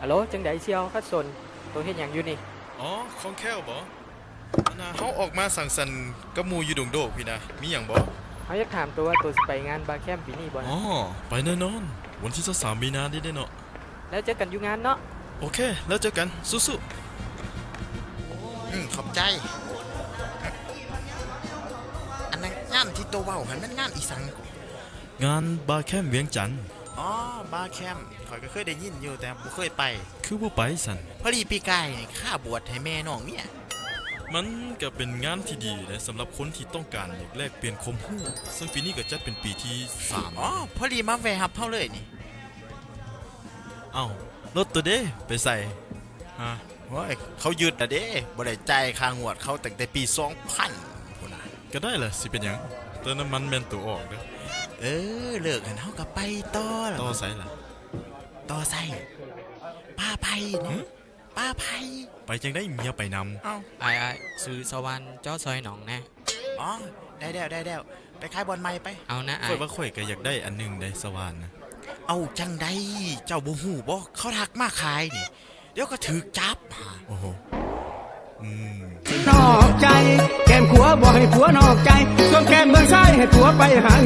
ฮัลโหลจังไดเชียวคัดสนตัวเฮ็ดหยังอยู่นี่อ๋อของแค้วบ่นะเฮาออกมาสังสรรค์กับหมู่อยู่ดงโดกพี่นะมีหยังบ่เฮาอยากถามตัวว่าตัวสิไปงานบาร์แคมป์ปีนี้บ่นะอ๋อไปแน่นอนวันที่23มีนานี้ได้เนาะแล้วเจอกันอยู่งานเนาะโอเคแล้วเจอกันสู้ขอบใจอันนั้นงานที่ตัวเว้าหันมันงานอีสังๆงานบาร์แคมป์เวียงจันทน์อ๋อบาร์แคมป์ข่อยก็เคยได้ยินอยู่แต่บ่เคยไปคือบ่ไปสั่นพอดีปีกายนี่ข้าบวชให้แม่น้องเมียมันก็เป็นงานที่ดีนะสำหรับคนที่ต้องการอยากแลกเปลี่ยนความรู้ซึ่งปีนี้ก็จัดเป็นปีที่3 อ๋อพอดีมาแวะรับเฮาเลยนี่เอ้ารถตัวเด้ไปใส่ฮะโอ้ยเขายึดอ่ะเด้บ่ได้จ่ายค่างวดเขาตั้งแต่ปี2000พุ่นน่ะก็ได้ล่ะสิเป็นหยังเติมน้ำมันแม่นตัวออกเด้อเลิกกันเฮาก็ไปต่อล่ะต่อไสล่ะต่อไสป้าไผเนาะป้าไผไปจังได้เมียไปนำเอ้าไอ้ซื้อสวรรค์จ้อซอยหนองแน่อ๋อได้แล้วไปขายบอลใหม่ไปเอานะข่อยว่าข่อยก็อยากได้อันนึงได้สว่านนะเอาจังไดเจ้าบ่ฮู้บ่เขาทักมาขายนี่เดี๋ยวก็ถูกจับโอ้โหนอกใจแก้มขัวบอกให้ผัวนอกใจส่วนแก้มเมืองซ้ายให้ผัวไปหา